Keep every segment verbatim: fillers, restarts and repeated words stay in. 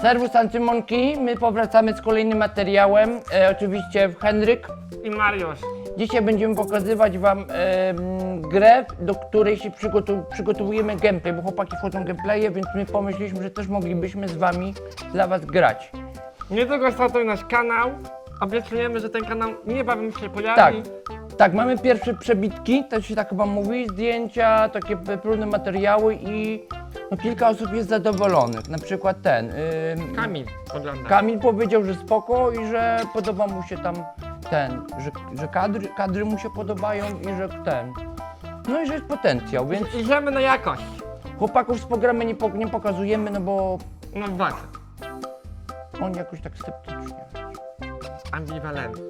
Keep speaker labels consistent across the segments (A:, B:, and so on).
A: Serwus Antymonki, my powracamy z kolejnym materiałem, e, oczywiście Henryk.
B: I Mariusz.
A: Dzisiaj będziemy pokazywać wam e, m, grę, do której się przygotu przygotowujemy gameplay, bo chłopaki wchodzą gameplaye, więc my pomyśleliśmy, że też moglibyśmy z wami dla was grać.
B: Niedługo startuje nasz kanał. Obiecujemy, że ten kanał niebawem się pojawi.
A: Tak, tak, mamy pierwsze przebitki, to się tak chyba mówi, zdjęcia, takie próbne materiały i no, kilka osób jest zadowolonych, na przykład ten. Yy,
B: Kamil ogląda.
A: Kamil powiedział, że spoko i że podoba mu się tam ten, że, że kadry, kadry mu się podobają i że ten. No i że jest potencjał, więc
B: Idziemy na jakość.
A: chłopaków z programu nie, po, nie pokazujemy, no bo
B: No właśnie.
A: oni jakoś tak sceptycznie.
B: Ambiwalentny.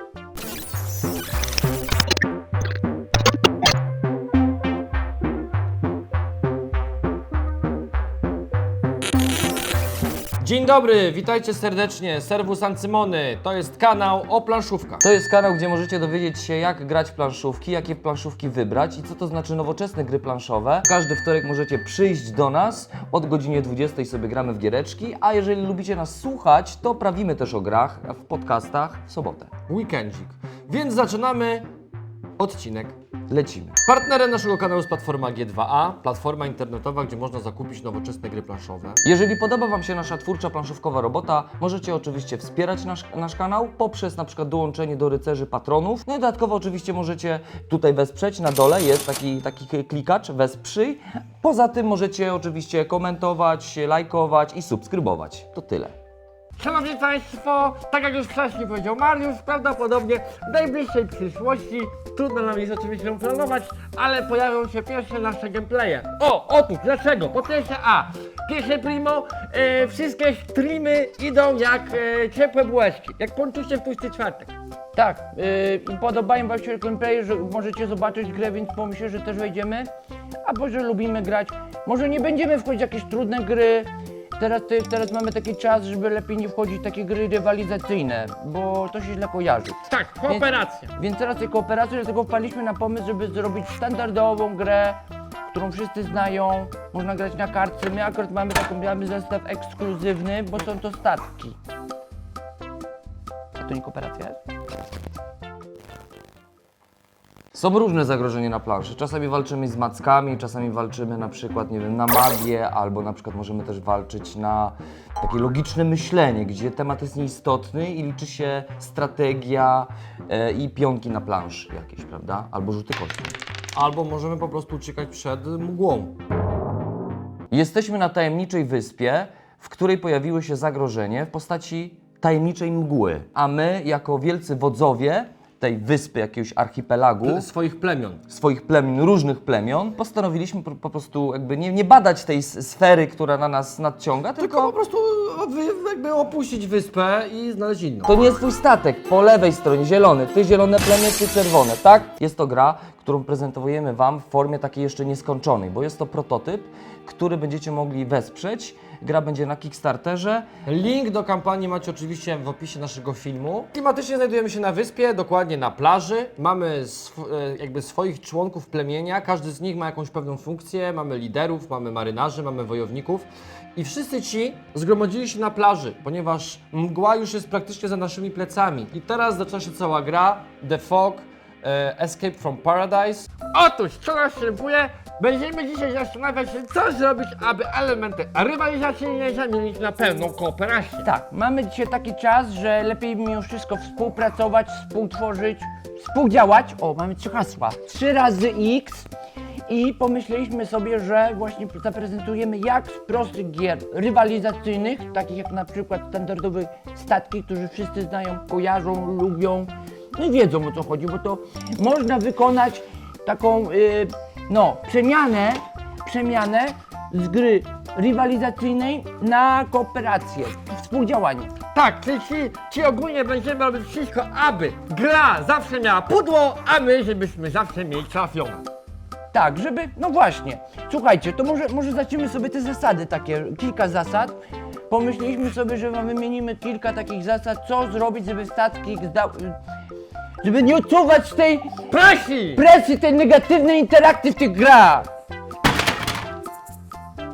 B: Dzień dobry, witajcie serdecznie, Serwus Ancymony, to jest kanał o planszówkach.
C: To jest kanał, gdzie możecie dowiedzieć się, jak grać w planszówki, jakie planszówki wybrać i co to znaczy nowoczesne gry planszowe. Każdy wtorek możecie przyjść do nas, od godziny dwudziestej sobie gramy w giereczki, a jeżeli lubicie nas słuchać, to prawimy też o grach w podcastach w sobotę.
B: Weekendzik. Więc zaczynamy odcinek.
C: Lecimy.
B: Partnerem naszego kanału jest platforma G dwa A, platforma internetowa, gdzie można zakupić nowoczesne gry planszowe.
C: Jeżeli podoba Wam się nasza twórcza planszówkowa robota, możecie oczywiście wspierać nasz, nasz kanał poprzez na przykład dołączenie do rycerzy patronów. No i dodatkowo oczywiście możecie tutaj wesprzeć, na dole jest taki, taki klikacz, wesprzyj. Poza tym możecie oczywiście komentować, lajkować i subskrybować. To tyle.
B: Szanowni Państwo, tak jak już wcześniej powiedział Mariusz, prawdopodobnie w najbliższej przyszłości, trudno nam jest oczywiście planować, ale pojawią się pierwsze nasze gameplaye. O, otóż, dlaczego? Po pierwsze A, pierwsze primo, e, wszystkie streamy idą jak e, ciepłe bułeczki, jak ponczuście w tłusty czwartek.
A: Tak, yy, i podobają wam się gameplay, że możecie zobaczyć grę, więc pomyślę, że też wejdziemy. Albo że lubimy grać. Może nie będziemy wchodzić w jakieś trudne gry. Teraz, ty, teraz mamy taki czas, żeby lepiej nie wchodzić w takie gry rywalizacyjne, bo to się źle kojarzy.
B: Tak, kooperacja.
A: Więc teraz tej kooperacji, dlatego wpadliśmy na pomysł, żeby zrobić standardową grę, którą wszyscy znają. Można grać na kartce. My akurat mamy taką, mamy zestaw ekskluzywny, bo są to statki. A to nie kooperacja jest?
C: Są różne zagrożenia na planszy. Czasami walczymy z mackami, czasami walczymy na przykład, nie wiem, na magię, albo na przykład możemy też walczyć na takie logiczne myślenie, gdzie temat jest nieistotny i liczy się strategia e, i pionki na planszy jakieś, prawda? Albo rzuty kości.
B: Albo możemy po prostu uciekać przed mgłą.
C: Jesteśmy na tajemniczej wyspie, w której pojawiło się zagrożenie w postaci tajemniczej mgły, a my jako wielcy wodzowie tej wyspy, jakiegoś archipelagu,
B: Swoich plemion.
C: swoich plemion, różnych plemion, postanowiliśmy po, po prostu jakby nie, nie badać tej s- sfery, która na nas nadciąga,
B: Tylko
C: tylko
B: po prostu wy, jakby opuścić wyspę i znaleźć inną.
C: to nie jest twój statek, po lewej stronie zielony, ty zielone plemię, ty czerwone, tak? Jest to gra, którą prezentujemy Wam w formie takiej jeszcze nieskończonej, bo jest to prototyp, który będziecie mogli wesprzeć. Gra będzie na Kickstarterze.
B: Link do kampanii macie oczywiście w opisie naszego filmu. Klimatycznie znajdujemy się na wyspie, dokładnie na plaży. Mamy sw jakby swoich członków plemienia, każdy z nich ma jakąś pewną funkcję. Mamy liderów, mamy marynarzy, mamy wojowników. I wszyscy ci zgromadzili się na plaży, ponieważ mgła już jest praktycznie za naszymi plecami. I teraz zaczyna się cała gra, The Fog, e, Escape from Paradise. Otóż, co następuje? Będziemy dzisiaj zastanawiać się, co zrobić, aby elementy rywalizacyjne zamienić na pełną kooperację.
A: Tak, mamy dzisiaj taki czas, że lepiej mimo wszystko współpracować, współtworzyć, współdziałać. O, mamy trzy hasła. Trzy razy X i pomyśleliśmy sobie, że właśnie zaprezentujemy jak z prostych gier rywalizacyjnych, takich jak na przykład standardowe statki, które wszyscy znają, kojarzą, lubią, no i wiedzą o co chodzi, bo to można wykonać taką, yy, no, przemianę, przemianę z gry rywalizacyjnej na kooperację, współdziałanie.
B: Tak, czyli ci, ci ogólnie będziemy robić wszystko, aby gra zawsze miała pudło, a my, żebyśmy zawsze mieli trafione.
A: Tak, żeby, no właśnie, słuchajcie, to może, może zacznijmy sobie te zasady takie, kilka zasad. Pomyśleliśmy sobie, że wam wymienimy kilka takich zasad, co zrobić, żeby statki zdał, żeby nie odczuwać tej
B: Presji!
A: presji, tej negatywnej interakcji w tych grach.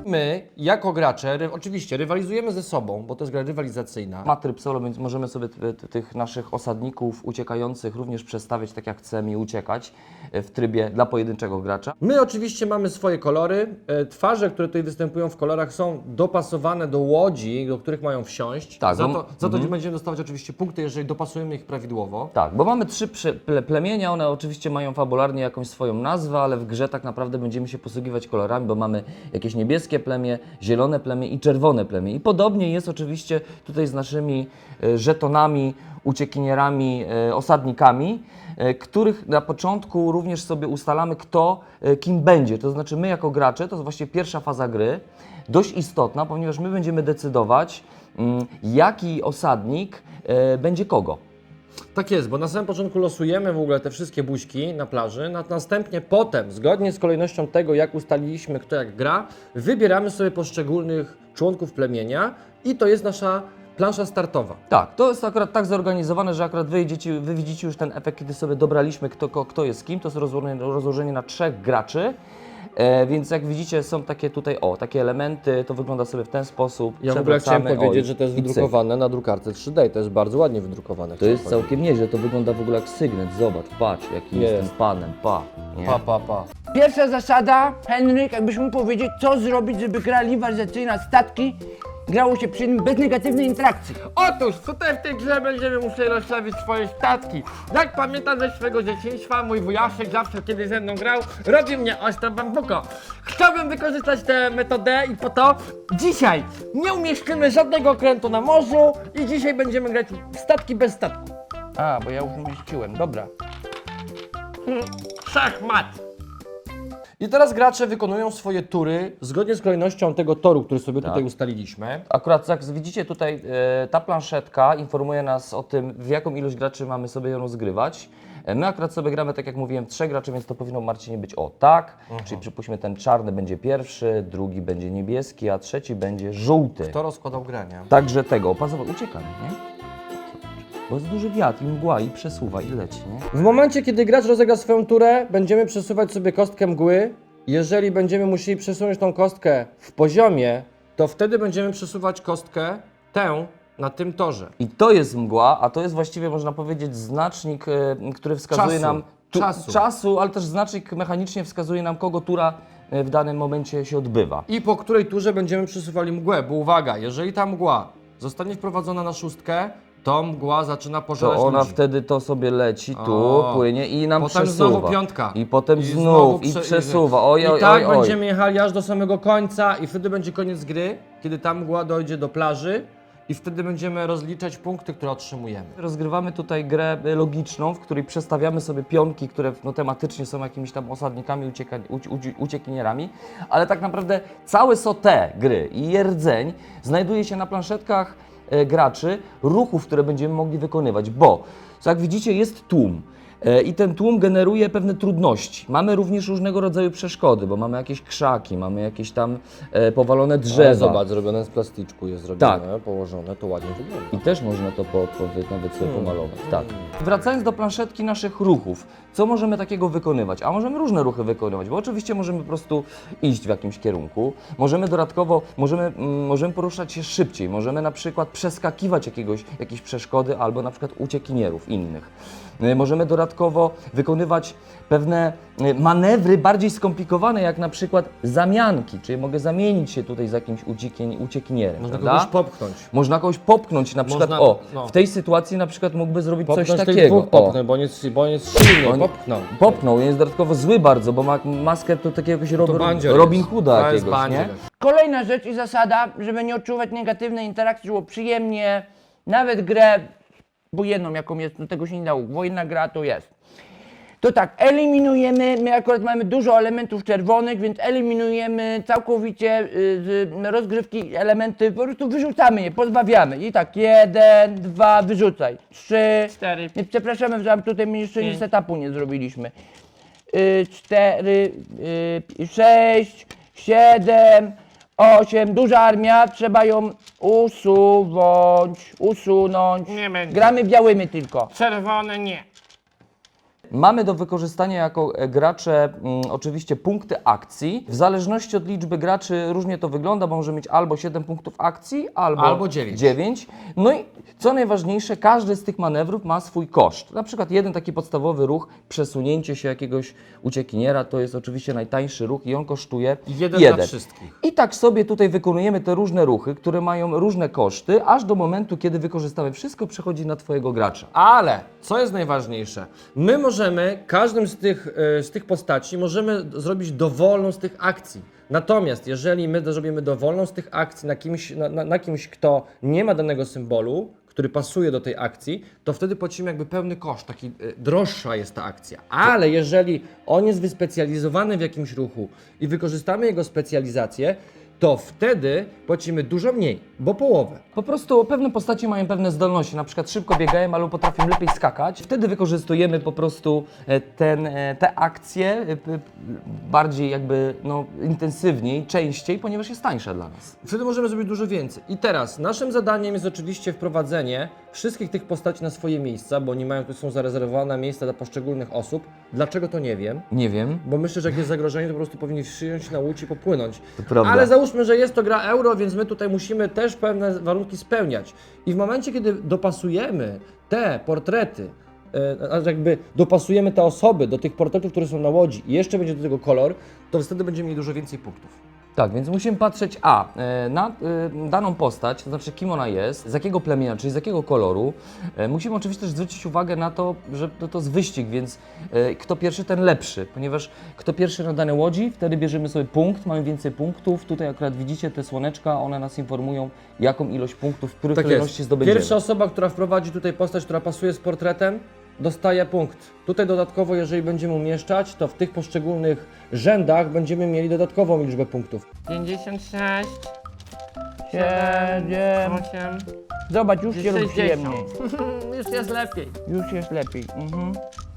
B: My, jako gracze, ry oczywiście rywalizujemy ze sobą, bo to jest gra rywalizacyjna.
C: Ma tryb solo, więc możemy sobie t- t- tych naszych osadników uciekających również przestawiać tak jak chcemy i uciekać e, w trybie dla pojedynczego gracza.
B: My oczywiście mamy swoje kolory. E, Twarze, które tutaj występują w kolorach, są dopasowane do łodzi, do których mają wsiąść.
C: Tak,
B: za
C: bo-
B: to, za to będziemy dostawać oczywiście punkty, jeżeli dopasujemy ich prawidłowo.
C: Tak, bo mamy trzy prze- ple- plemienia, one oczywiście mają fabularnie jakąś swoją nazwę, ale w grze tak naprawdę będziemy się posługiwać kolorami, bo mamy jakieś niebieskie plemię, zielone plemię i czerwone plemię. I podobnie jest oczywiście tutaj z naszymi e, żetonami, uciekinierami, e, osadnikami, e, których na początku również sobie ustalamy, kto e, kim będzie. To znaczy my jako gracze, to jest właśnie pierwsza faza gry, dość istotna, ponieważ my będziemy decydować, mm, jaki osadnik e, będzie kogo.
B: Tak jest, bo na samym początku losujemy w ogóle te wszystkie buźki na plaży, na- następnie potem, zgodnie z kolejnością tego, jak ustaliliśmy, kto jak gra, wybieramy sobie poszczególnych członków plemienia i to jest nasza plansza startowa.
C: Tak, to jest akurat tak zorganizowane, że akurat wy, idziecie, wy widzicie już ten efekt, kiedy sobie dobraliśmy, kto, ko- kto jest kim. To jest rozłożenie, rozłożenie na trzech graczy. E, więc jak widzicie, są takie tutaj, o, takie elementy, to wygląda sobie w ten sposób.
B: Ja w ogóle chciałem
C: Przewracamy,
B: powiedzieć,
C: o,
B: że to jest
C: i cyk.
B: wydrukowane na drukarce trzy D, to jest bardzo ładnie wydrukowane.
C: To jest całkiem nieźle, to wygląda w ogóle jak sygnet. Zobacz, patrz, jaki
B: Jest.
C: jestem panem, pa. Nie?
B: Pa, pa, pa.
A: Pierwsza zasada, Henryk, jakbyś mógł powiedzieć, co zrobić, żeby gra rywalizacyjna statki grało się przy nim bez negatywnej interakcji.
D: Otóż tutaj w tej grze będziemy musieli rozstawić swoje statki. Jak pamiętam ze swojego dzieciństwa, mój wujaszek zawsze kiedy ze mną grał, robił mnie ostro bambuko. Chciałbym wykorzystać tę metodę i po to dzisiaj nie umieścimy żadnego okrętu na morzu i dzisiaj będziemy grać w statki bez statku.
A: A, bo ja już umieściłem, dobra.
D: Szachmat!
B: I teraz gracze wykonują swoje tury zgodnie z kolejnością tego toru, który sobie
C: Tak.
B: tutaj ustaliliśmy.
C: Akurat jak widzicie tutaj, e, ta planszetka informuje nas o tym, w jaką ilość graczy mamy sobie ją rozgrywać. E, My akurat sobie gramy, tak jak mówiłem, trzech graczy, więc to powinno, Marcinie, być o tak. Czyli przypuśćmy, ten czarny będzie pierwszy, drugi będzie niebieski, a trzeci będzie żółty.
B: Kto rozkładał grę, nie?
C: Także tego, opasować, uciekamy, nie? Bo jest duży wiatr i mgła i przesuwa i leci, nie?
B: W momencie, kiedy gracz rozegra swoją turę, będziemy przesuwać sobie kostkę mgły. Jeżeli będziemy musieli przesunąć tą kostkę w poziomie, to wtedy będziemy przesuwać kostkę tę na tym torze.
C: I to jest mgła, a to jest właściwie, można powiedzieć, znacznik, e, który wskazuje
B: Czasu.
C: nam
B: Czasu.
C: czasu, ale też znacznik mechanicznie wskazuje nam, kogo tura e, w danym momencie się odbywa.
B: I po której turze będziemy przesuwali mgłę, bo uwaga, jeżeli ta mgła zostanie wprowadzona na szóstkę, to mgła zaczyna pożerać
C: To ona
B: ludzi.
C: wtedy to sobie leci tu,
B: O.
C: płynie i nam
B: Potem
C: przesuwa.
B: znowu piątka.
C: I potem
B: I
C: znów,
B: znowu
C: i
B: prze-
C: przesuwa. Oj, oj,
B: I tak
C: oj, oj.
B: będziemy jechali aż do samego końca i wtedy będzie koniec gry, kiedy ta mgła dojdzie do plaży i wtedy będziemy rozliczać punkty, które otrzymujemy.
C: Rozgrywamy tutaj grę y, logiczną, w której przestawiamy sobie pionki, które no, tematycznie są jakimiś tam osadnikami, ucieka, uci, uci, uciekinierami, ale tak naprawdę całe sote gry i rdzeń znajduje się na planszetkach e, graczy, ruchów, które będziemy mogli wykonywać, bo jak widzicie jest tłum. E, I ten tłum generuje pewne trudności. Mamy również różnego rodzaju przeszkody, bo mamy jakieś krzaki, mamy jakieś tam e, powalone drzewa.
B: Ale zobacz, zrobione z plasticzku jest zrobione,
C: Tak.
B: położone, to ładnie wygląda.
C: I też można to po, po, nawet sobie pomalować. Tak. Wracając do planszetki naszych ruchów, co możemy takiego wykonywać? A możemy różne ruchy wykonywać, bo oczywiście możemy po prostu iść w jakimś kierunku. Możemy dodatkowo, możemy, mm, możemy poruszać się szybciej, możemy na przykład przeskakiwać jakiegoś, jakieś przeszkody albo na przykład uciekinierów innych. Y, Możemy dodatkowo wykonywać pewne y, manewry bardziej skomplikowane, jak na przykład zamianki, czyli mogę zamienić się tutaj z jakimś uciekien- uciekinierem.
B: Można
C: prawda?
B: kogoś popchnąć.
C: Można kogoś popchnąć, na przykład,
B: Można-
C: o,
B: no.
C: w tej sytuacji na przykład mógłby zrobić
B: Popchnąć
C: coś
B: tych
C: takiego.
B: dwóch popchnąć, bo on jest, bo on jest silny,
C: On-
B: popchnął.
C: O, popchnął, jest dodatkowo zły bardzo, bo ma maskę to takiego jakiegoś Rob,
B: bandzior
C: Robin
B: jest.
C: Hooda
B: To jest
C: jakiegoś, nie?
B: bandzior.
A: Kolejna rzecz i zasada, żeby nie odczuwać negatywnej interakcji, było przyjemnie, nawet grę wojenną, jaką jest, no tego się nie dało, wojenna gra to jest. To tak, eliminujemy, my akurat mamy dużo elementów czerwonych, więc eliminujemy całkowicie y, z rozgrywki elementy, po prostu wyrzucamy je, pozbawiamy. I tak, jeden, dwa, wyrzucaj, trzy,
D: Cztery.
A: nie, przepraszamy, że tutaj my jeszcze nie setupu nie zrobiliśmy. Y, cztery, y, sześć, siedem, osiem, duża armia, trzeba ją usuwać, usunąć.
D: Nie będzie.
A: Gramy białymi tylko.
D: Czerwone nie.
C: Mamy do wykorzystania jako e, gracze mm, oczywiście punkty akcji. W zależności od liczby graczy różnie to wygląda, bo może mieć albo siedem punktów akcji, albo,
B: Albo dziewięć.
C: dziewięć. No i co najważniejsze, każdy z tych manewrów ma swój koszt. Na przykład jeden taki podstawowy ruch, przesunięcie się jakiegoś uciekiniera, to jest oczywiście najtańszy ruch i on kosztuje
B: Jeden
C: jeden.
B: dla wszystkich.
C: I tak sobie tutaj wykonujemy te różne ruchy, które mają różne koszty, aż do momentu, kiedy wykorzystamy wszystko, przechodzi na Twojego gracza.
B: Ale, co jest najważniejsze, my możemy, każdym z tych, e, z tych postaci możemy d- zrobić dowolną z tych akcji. Natomiast jeżeli my zrobimy dowolną z tych akcji na kimś, na, na, na kimś, kto nie ma danego symbolu, który pasuje do tej akcji, to wtedy płacimy jakby pełny koszt, taki e, droższa jest ta akcja. Ale jeżeli on jest wyspecjalizowany w jakimś ruchu i wykorzystamy jego specjalizację, to wtedy płacimy dużo mniej, bo połowę.
C: Po prostu pewne postaci mają pewne zdolności, na przykład szybko biegają albo potrafią lepiej skakać. Wtedy wykorzystujemy po prostu e, ten, e, te akcje e, p- bardziej jakby no, intensywniej, częściej, ponieważ jest tańsza dla nas.
B: Wtedy możemy zrobić dużo więcej. I teraz naszym zadaniem jest oczywiście wprowadzenie wszystkich tych postaci na swoje miejsca, bo oni mają, tu są zarezerwowane miejsca dla poszczególnych osób. Dlaczego to nie wiem?
C: Nie wiem.
B: Bo myślę, że jak jest zagrożenie, to po prostu powinni wsiąść na łódź i popłynąć.
C: To prawda.
B: Ale załóżmy, że jest to gra euro, więc my tutaj musimy też pewne warunki spełniać. I w momencie, kiedy dopasujemy te portrety, e, a jakby dopasujemy te osoby do tych portretów, które są na łodzi i jeszcze będzie do tego kolor, to wtedy będziemy mieli dużo więcej punktów.
C: Tak, więc musimy patrzeć a, e, na e, daną postać, to znaczy kim ona jest, z jakiego plemienia, czyli z jakiego koloru. E, Musimy oczywiście też zwrócić uwagę na to, że to, to jest wyścig, więc e, kto pierwszy, ten lepszy, ponieważ kto pierwszy na danej łodzi, wtedy bierzemy sobie punkt, mamy więcej punktów. Tutaj akurat widzicie te słoneczka, one nas informują, jaką ilość punktów, w której kolejności zdobędziemy.
B: Pierwsza osoba, która wprowadzi tutaj postać, która pasuje z portretem, dostaje punkt. Tutaj dodatkowo, jeżeli będziemy umieszczać, to w tych poszczególnych rzędach będziemy mieli dodatkową liczbę punktów.
D: pięćdziesiąt sześć,
A: Siedem.
D: osiem,
A: Zobacz, już się robi
D: sześćdziesiąt.
A: przyjemniej.
D: Już jest lepiej.
A: Już jest lepiej. Mhm.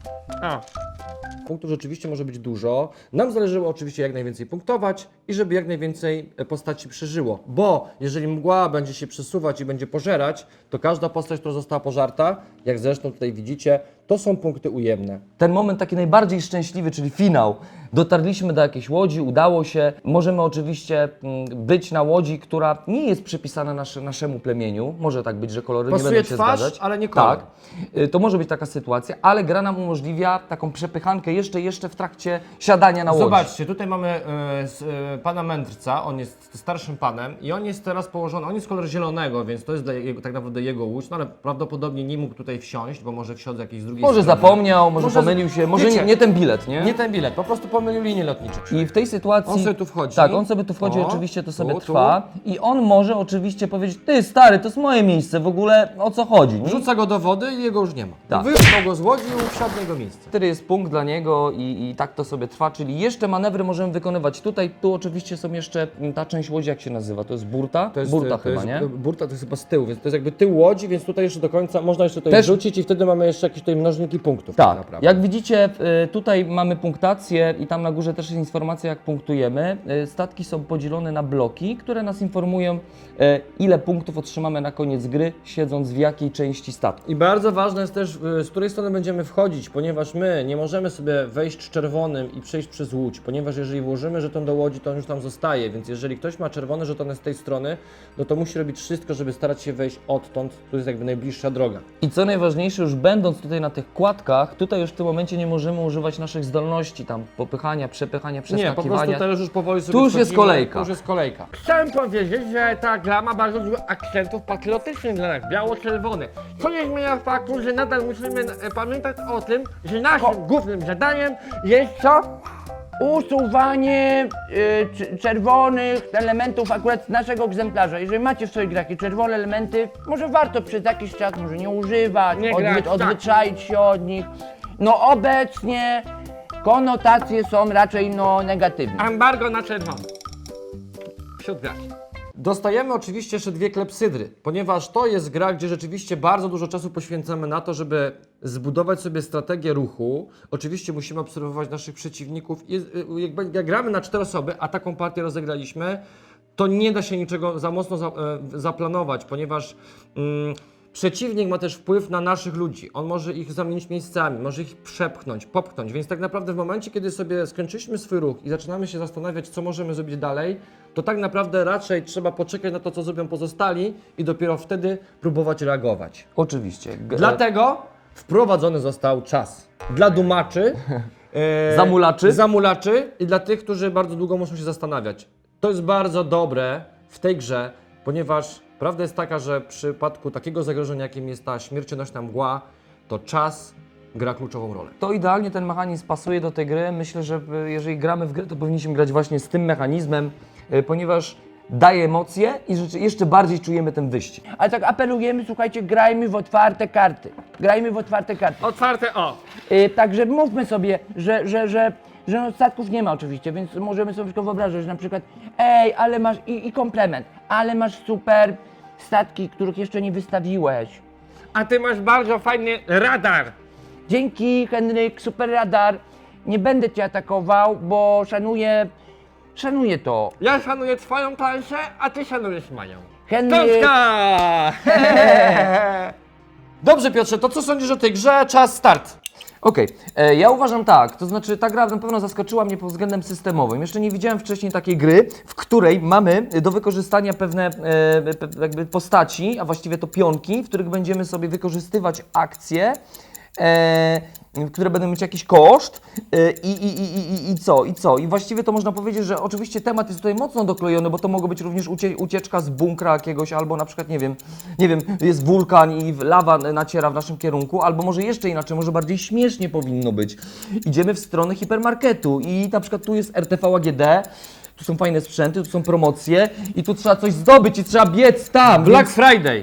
D: O,
B: Punktów rzeczywiście może być dużo. Nam zależało oczywiście jak najwięcej punktować i żeby jak najwięcej e, postaci przeżyło. Bo jeżeli mgła będzie się przesuwać i będzie pożerać, to każda postać, która została pożarta, jak zresztą tutaj widzicie, to są punkty ujemne.
C: Ten moment taki najbardziej szczęśliwy, czyli finał. Dotarliśmy do jakiejś łodzi, udało się. Możemy oczywiście mm, być na łodzi, która nie jest przypisana nasze, naszemu plemieniu. Może tak być, że kolory nie
B: Pasuje
C: będą się
B: twarz,
C: zgadzać.
B: ale nie kolor.
C: Tak. Y, To może być taka sytuacja, ale gra nam umożliwia taką przepychankę jeszcze, jeszcze w trakcie siadania na łodzi.
B: Zobaczcie, tutaj mamy e, s, e, pana mędrca, on jest starszym panem i on jest teraz położony, on jest kolor zielonego, więc to jest dla jego, tak naprawdę jego łódź, no ale prawdopodobnie nie mógł tutaj wsiąść, bo może wsiąść z jakiejś drugiej
C: Może
B: strony.
C: zapomniał, może,
B: Może-
C: pomylił się, może
B: wiecie,
C: nie, nie ten bilet, nie?
B: Nie ten bilet, po prostu pomylił linię lotniczą.
C: I w tej sytuacji...
B: On sobie tu wchodzi.
C: Tak, on sobie tu wchodzi,
B: O,
C: oczywiście to sobie
B: tu, tu.
C: trwa. I on może oczywiście powiedzieć, ty stary, to jest moje miejsce, w ogóle o co chodzi? Nie?
B: Wrzuca go do wody i jego już nie ma.
C: Tak.
B: Wypchnął go z łodzi i wsiadł na jego miejsce.
C: Wtedy jest punkt dla niego i, i tak to sobie trwa, czyli jeszcze manewry możemy wykonywać tutaj. Tu oczywiście są jeszcze mm, ta część łodzi, jak się nazywa, to jest burta?
B: To jest,
C: burta
B: to
C: chyba,
B: jest,
C: nie?
B: Burta to jest chyba z tyłu, więc to jest jakby tył łodzi, więc tutaj jeszcze do końca można jeszcze tutaj
C: Też-
B: wrzucić i wtedy mamy jeszcze jakieś tutaj mnożniki punktów.
C: Tak,
B: naprawdę.
C: jak widzicie, y, tutaj mamy punktację i tam na górze też jest informacja, jak punktujemy. Y, Statki są podzielone na bloki, które nas informują, y, ile punktów otrzymamy na koniec gry, siedząc w jakiej części statku.
B: I bardzo ważne jest też, y, z której strony będziemy wchodzić, ponieważ my nie możemy sobie wejść z czerwonym i przejść przez łódź, ponieważ jeżeli włożymy żeton do łodzi, to on już tam zostaje, więc jeżeli ktoś ma czerwone żetony z tej strony, no to musi robić wszystko, żeby starać się wejść odtąd, tu jest jakby najbliższa droga.
C: I co najważniejsze, już będąc tutaj na tych kładkach, tutaj już w tym momencie nie możemy używać naszych zdolności, tam popychania, przepychania,
B: Nie, po prostu
C: przeskakiwania.
B: teraz już powoli sobie
C: Tu już jest
B: wchodzimy,
C: kolejka.
B: Tu już jest kolejka.
D: chciałem powiedzieć, że ta gra ma bardzo dużo akcentów patriotycznych dla nas, biało-czerwone. Co nie zmienia faktu, że nadal musimy e, pamiętać o tym, że naszym głównym zadaniem jest co?
A: Usuwanie y, cz- czerwonych elementów akurat z naszego egzemplarza. Jeżeli macie w swoich grach jakieś czerwone elementy, może warto przez jakiś czas może nie używać,
D: Nie grać, tak.
A: odzwyczaić się od nich. No obecnie konotacje są raczej no negatywne.
D: Embargo na czerwono. Wśród graczy.
B: Dostajemy oczywiście jeszcze dwie klepsydry, ponieważ to jest gra, gdzie rzeczywiście bardzo dużo czasu poświęcamy na to, żeby zbudować sobie strategię ruchu. Oczywiście musimy obserwować naszych przeciwników. Jest, jak, jak gramy na cztery osoby, a taką partię rozegraliśmy, to nie da się niczego za mocno za, e, zaplanować, ponieważ mm, Przeciwnik ma też wpływ na naszych ludzi. On może ich zamienić miejscami, może ich przepchnąć, popchnąć. Więc tak naprawdę w momencie, kiedy sobie skończyliśmy swój ruch i zaczynamy się zastanawiać, co możemy zrobić dalej, to tak naprawdę raczej trzeba poczekać na to, co zrobią pozostali i dopiero wtedy próbować reagować.
C: Oczywiście. G-
B: Dlatego wprowadzony został czas dla dumaczy, e,
C: Zamulaczy?
B: zamulaczy i dla tych, którzy bardzo długo muszą się zastanawiać. To jest bardzo dobre w tej grze, ponieważ prawda jest taka, że w przypadku takiego zagrożenia, jakim jest ta śmiercionośna mgła, to czas gra kluczową rolę.
C: To idealnie ten mechanizm pasuje do tej gry. Myślę, że y, jeżeli gramy w grę, to powinniśmy grać właśnie z tym mechanizmem, y, ponieważ daje emocje i rzeczy, jeszcze bardziej czujemy ten wyścig.
A: Ale tak apelujemy, słuchajcie, grajmy w otwarte karty. Grajmy w otwarte karty.
D: Otwarte o.
A: Yy, także mówmy sobie, że, że, że, że no, statków nie ma oczywiście, więc możemy sobie tylko wyobrazić, że na przykład ej, ale masz, i, i komplement, ale masz super statki, których jeszcze nie wystawiłeś.
D: A ty masz bardzo fajny radar.
A: Dzięki, Henryk, super radar. Nie będę cię atakował, bo szanuję, szanuję to.
D: Ja szanuję twoją planszę, a ty szanujesz moją.
A: Henryk,
D: Tonka!
B: Dobrze Piotrze, to co sądzisz o tej grze? Czas start.
C: Okej, e, ja uważam tak, to znaczy ta gra na pewno zaskoczyła mnie pod względem systemowym. Jeszcze nie widziałem wcześniej takiej gry, w której mamy do wykorzystania pewne e, pe, jakby postaci, a właściwie to pionki, w których będziemy sobie wykorzystywać akcje, e, które będą mieć jakiś koszt e, i, i, i, i, i co, i co. I właściwie to można powiedzieć, że oczywiście temat jest tutaj mocno doklejony, bo to mogło być również ucie, ucieczka z bunkra jakiegoś, albo na przykład, nie wiem, nie wiem, jest wulkan i lawa naciera w naszym kierunku, albo może jeszcze inaczej, może bardziej śmiesznie powinno być. Idziemy w stronę hipermarketu i na przykład tu jest R T V A G D, tu są fajne sprzęty, tu są promocje i tu trzeba coś zdobyć i trzeba biec tam.
B: Black Friday.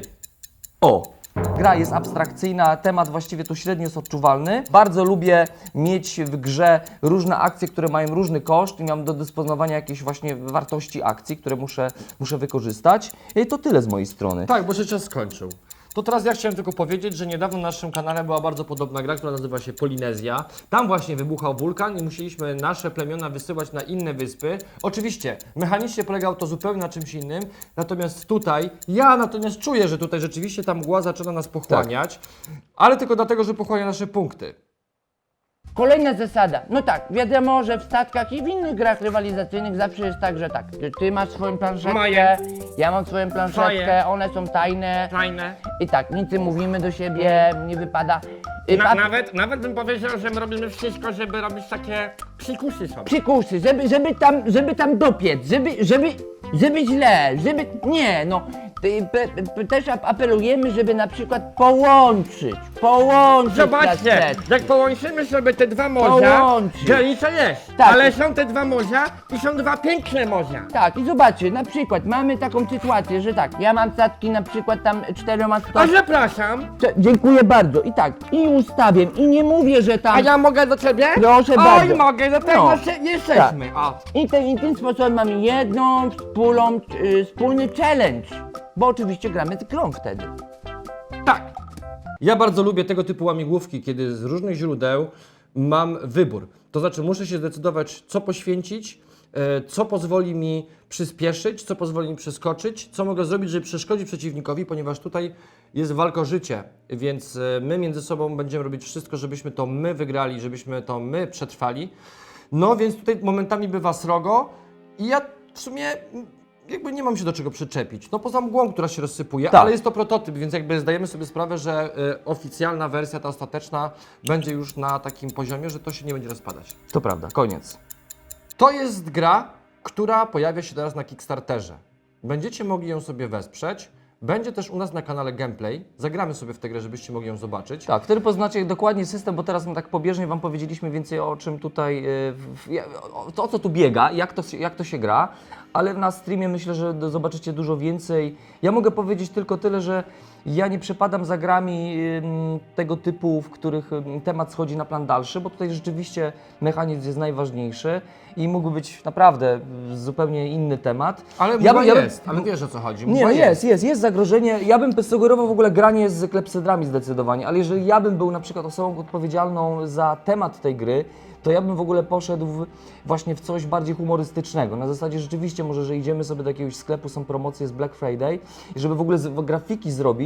C: O! Gra jest abstrakcyjna, temat właściwie tu średnio jest odczuwalny. Bardzo lubię mieć w grze różne akcje, które mają różny koszt i mam do dysponowania jakieś właśnie wartości akcji, które muszę, muszę wykorzystać. I to tyle z mojej strony.
B: Tak, bo się czas skończył. To teraz ja chciałem tylko powiedzieć, że niedawno na naszym kanale była bardzo podobna gra, która nazywa się Polinezja. Tam właśnie wybuchał wulkan i musieliśmy nasze plemiona wysyłać na inne wyspy. Oczywiście, mechanicznie polegało to zupełnie na czymś innym, natomiast tutaj, ja natomiast czuję, że tutaj rzeczywiście ta mgła zaczyna nas pochłaniać, ale tylko dlatego, że pochłania nasze punkty.
A: kolejna zasada. No tak, wiadomo, że w statkach i w innych grach rywalizacyjnych zawsze jest tak, że tak, ty, ty masz swoją planszetkę,
D: Moje.
A: ja mam swoją planszetkę,
D: Twoje.
A: one są tajne.
D: Fajne.
A: I tak, nic nie mówimy do siebie, nie wypada. Y,
D: Na,
A: pa-
D: nawet, nawet bym powiedział, że my robimy wszystko, żeby robić takie psikusy sobie.
A: Przykusy, żeby, żeby tam, żeby tam dopiec, żeby, żeby, żeby źle, żeby, nie, no, ty, pe, pe, też ap- apelujemy, żeby na przykład połączyć, połączyć
D: Zobaczcie,
A: kasety.
D: jak połączymy sobie te dwa morza,
A: Połączyć.
D: granica jest,
A: Tak.
D: ale są te dwa morza i są dwa piękne morza.
A: Tak, i zobaczcie, na przykład mamy taką sytuację, że tak, ja mam statki na przykład tam czterema
D: A
A: stopniami.
D: zapraszam,
A: Dziękuję bardzo, i tak, i ustawię, i nie mówię, że tam...
D: a ja mogę do ciebie?
A: Proszę
D: Oj,
A: bardzo.
D: mogę, do tego
A: No.
D: się- jesteśmy. O.
A: I, te, I tym sposobem mamy jedną wspólną, y, wspólny challenge, bo oczywiście gramy z grą wtedy.
B: Tak. Ja bardzo lubię tego typu łamigłówki, kiedy z różnych źródeł mam wybór. To znaczy muszę się zdecydować, co poświęcić, e, co pozwoli mi przyspieszyć, co pozwoli mi przeskoczyć, co mogę zrobić, żeby przeszkodzić przeciwnikowi, ponieważ tutaj jest walka o życie, więc e, my między sobą będziemy robić wszystko, żebyśmy to my wygrali, żebyśmy to my przetrwali. No więc tutaj momentami bywa srogo i ja w sumie mm, jakby nie mam się do czego przyczepić. No poza mgłą, która się rozsypuje,
C: Tak.
B: ale jest to prototyp, więc jakby zdajemy sobie sprawę, że y, oficjalna wersja, ta ostateczna, będzie już na takim poziomie, że to się nie będzie rozpadać.
C: To prawda, koniec.
B: To jest gra, która pojawia się teraz na Kickstarterze. Będziecie mogli ją sobie wesprzeć. Będzie też u nas na kanale gameplay. Zagramy sobie w tę grę, żebyście mogli ją zobaczyć.
C: Tak, wtedy poznacie dokładnie system, bo teraz my tak pobieżnie Wam powiedzieliśmy więcej o czym tutaj, yy, w, ja- o, to, o co tu biega, jak to, się- jak to się gra, ale na streamie myślę, że do- zobaczycie dużo więcej. Ja mogę powiedzieć tylko tyle, że ja nie przepadam za grami ym, tego typu, w których ym, temat schodzi na plan dalszy, bo tutaj rzeczywiście mechanizm jest najważniejszy i mógłby być naprawdę y, zupełnie inny temat.
B: Ale
C: Ja
B: mgła
C: bym- ja bym-
B: jest, ale wiesz o co chodzi.
C: Nie,
B: Mgła
C: no jest, jest, jest zagrożenie. Ja bym sugerował w ogóle granie z klepsydrami zdecydowanie, ale jeżeli ja bym był na przykład osobą odpowiedzialną za temat tej gry, to ja bym w ogóle poszedł w, właśnie w coś bardziej humorystycznego. Na zasadzie rzeczywiście może, że idziemy sobie do jakiegoś sklepu, są promocje z Black Friday i żeby w ogóle z, grafiki zrobić,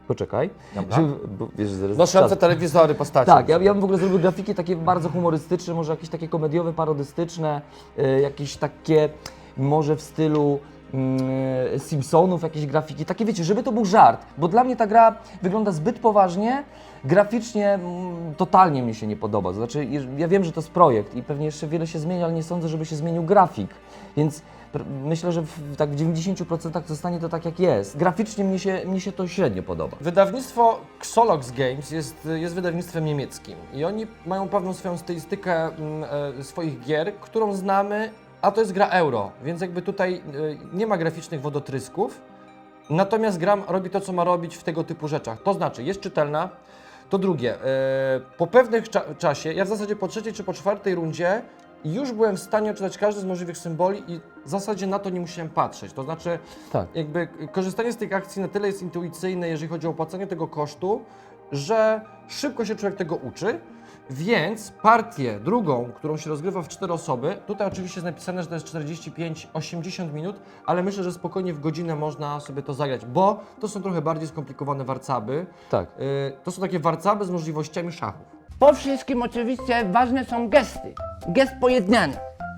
C: Poczekaj.
B: Dobra.
C: Żeby, bo, wiesz, zaraz
B: Noszące
C: czas-
B: telewizory postaci.
C: Tak, ja, ja bym w ogóle zrobił grafiki takie bardzo humorystyczne, może jakieś takie komediowe, parodystyczne, y, jakieś takie może w stylu y, Simpsonów, jakieś grafiki, takie wiecie, żeby to był żart, bo dla mnie ta gra wygląda zbyt poważnie, graficznie mm, totalnie mi się nie podoba, to znaczy jeż- ja wiem, że to jest projekt i pewnie jeszcze wiele się zmieni, ale nie sądzę, żeby się zmienił grafik, więc pr- myślę, że w, tak w dziewięćdziesięciu procentach zostanie to tak jak jest. Graficznie mnie się, mnie się to średnio podoba.
B: Wydawnictwo Xolox Games jest, jest wydawnictwem niemieckim i oni mają pewną swoją stylistykę mm, e, swoich gier, którą znamy, a to jest gra euro, więc jakby tutaj e, nie ma graficznych wodotrysków, natomiast gra robi to, co ma robić w tego typu rzeczach. To znaczy, jest czytelna. To drugie, e, po pewnym cza- czasie, ja w zasadzie po trzeciej czy po czwartej rundzie już byłem w stanie odczytać każdy z możliwych symboli i w zasadzie na to nie musiałem patrzeć. To znaczy,
C: Tak.
B: jakby korzystanie z tych akcji na tyle jest intuicyjne, jeżeli chodzi o opłacanie tego kosztu, że szybko się człowiek tego uczy, więc partię drugą, którą się rozgrywa w cztery osoby, tutaj oczywiście jest napisane, że to jest czterdzieści pięć osiemdziesiąt minut, ale myślę, że spokojnie w godzinę można sobie to zagrać, bo to są trochę bardziej skomplikowane warcaby.
C: Tak.
B: Y, to są takie warcaby z możliwościami szachów.
A: Po wszystkim oczywiście ważne są gesty. Gest pojednania.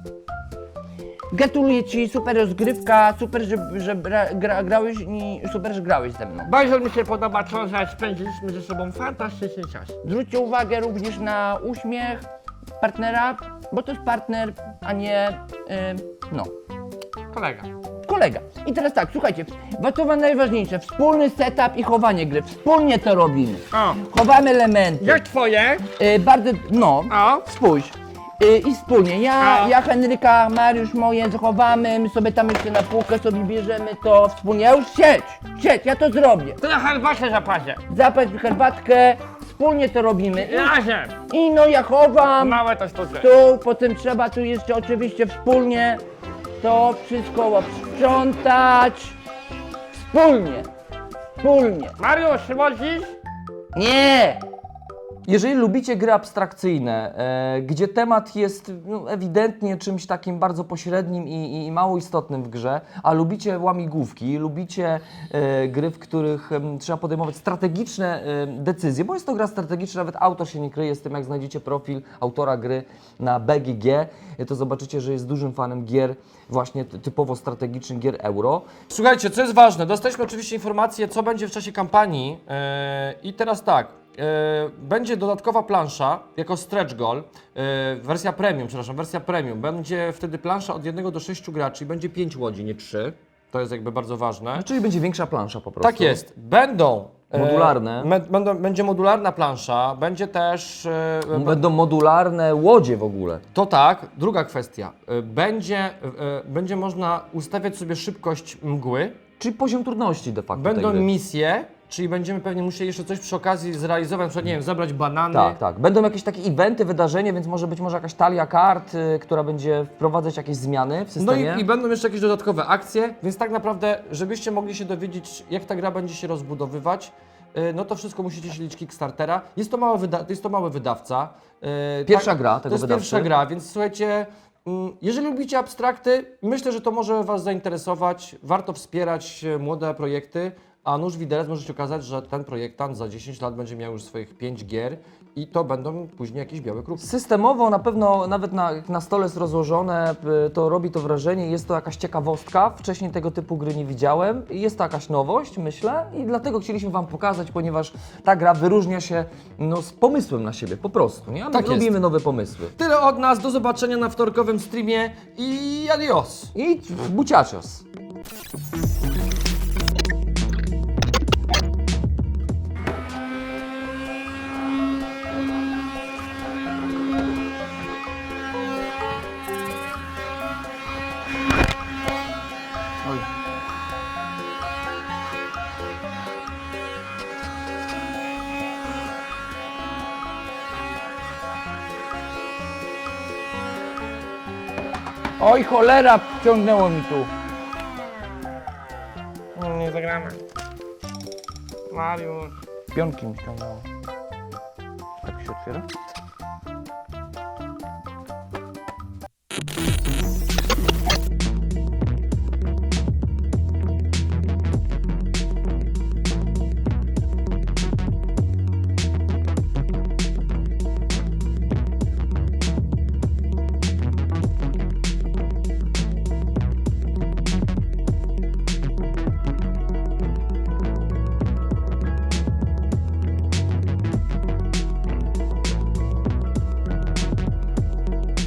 A: Gratuluję Ci, super rozgrywka, super, że, że gra, gra, grałeś i super, że grałeś ze mną.
D: Bardzo mi się podoba to, że spędziliśmy ze sobą fantastyczny czas.
A: Zwróćcie uwagę również na uśmiech partnera, bo to jest partner, a nie, yy, no,
D: Kolega.
A: kolega. I teraz tak, słuchajcie, bo to wam najważniejsze, wspólny setup i chowanie gry, wspólnie to robimy.
D: O,
A: Chowamy elementy.
D: jak twoje?
A: Yy, bardzo, no,
D: O,
A: spójrz. Yy, I wspólnie, ja,
D: A.
A: ja, Henryka, Mariusz moje zachowamy, my sobie tam jeszcze na półkę sobie bierzemy to wspólnie. Ja już siedź, siedź, ja to zrobię.
D: to na herbatę zaparzę.
A: Zapaść herbatkę, wspólnie to robimy.
D: Razem.
A: I, i no ja chowam,
D: Małe to sztuczki.
A: tu, potem trzeba tu jeszcze oczywiście wspólnie to wszystko sprzątać. Wspólnie, wspólnie.
D: Mariusz, wodzisz?
A: Nie!
C: Jeżeli lubicie gry abstrakcyjne, e, gdzie temat jest no, ewidentnie czymś takim bardzo pośrednim i, i mało istotnym w grze, a lubicie łamigłówki, lubicie e, gry, w których em, trzeba podejmować strategiczne e, decyzje, bo jest to gra strategiczna, nawet autor się nie kryje z tym, jak znajdziecie profil autora gry na B G G, e, to zobaczycie, że jest dużym fanem gier właśnie ty- typowo strategicznych, gier euro.
B: Słuchajcie, co jest ważne, dostaliśmy oczywiście informację, co będzie w czasie kampanii yy, i teraz tak, yy, będzie dodatkowa plansza jako stretch goal, yy, wersja premium, przepraszam, wersja premium, będzie wtedy plansza od jednego do sześciu graczy, będzie pięć łodzi, nie trzy, to jest jakby bardzo ważne.
C: Czyli będzie większa plansza po prostu.
B: Tak jest, będą e,
C: Modularne.
B: me- będą, będzie modularna plansza, będzie też, e, b-
C: Będą modularne łodzie w ogóle.
B: to tak, druga kwestia, e, będzie, e, będzie można ustawiać sobie szybkość mgły,
C: Czyli poziom trudności de facto
B: będą
C: tej gry.
B: misje, czyli będziemy pewnie musieli jeszcze coś przy okazji zrealizować, na przykład, nie wiem, zabrać banany.
C: Tak, tak. Będą jakieś takie eventy, wydarzenia, więc może być może jakaś talia kart, y, która będzie wprowadzać jakieś zmiany w
B: No
C: systemie.
B: i, i będą jeszcze jakieś dodatkowe akcje, więc tak naprawdę, żebyście mogli się dowiedzieć, jak ta gra będzie się rozbudowywać, y, no to wszystko musicie śledzić Kickstartera. Jest to, mały wyda- to jest to mały wydawca. y,
C: Pierwsza gra tego
B: To jest
C: wydawcy.
B: pierwsza gra, więc słuchajcie, mm, jeżeli lubicie abstrakty, myślę, że to może Was zainteresować. Warto wspierać e, młode projekty, a nuż widelec może się okazać, że ten projektant za dziesięć lat będzie miał już swoich pięć gier i to będą później jakieś białe krupki.
C: Systemowo na pewno nawet na, jak na stole jest rozłożone, y, to robi to wrażenie, jest to jakaś ciekawostka. Wcześniej tego typu gry nie widziałem. Jest to jakaś nowość, myślę, i dlatego chcieliśmy Wam pokazać, ponieważ ta gra wyróżnia się no, z pomysłem na siebie, po prostu. Nie? A my
B: Tak jest.
C: lubimy nowe pomysły.
B: Tyle od nas, do zobaczenia na wtorkowym streamie i adios!
C: I buciacios.
A: Oj cholera, wciągnęło mi tu.
D: Mm, Nie zagramy. Mariusz.
A: Pionki mi ściągnęło. Tak się otwiera?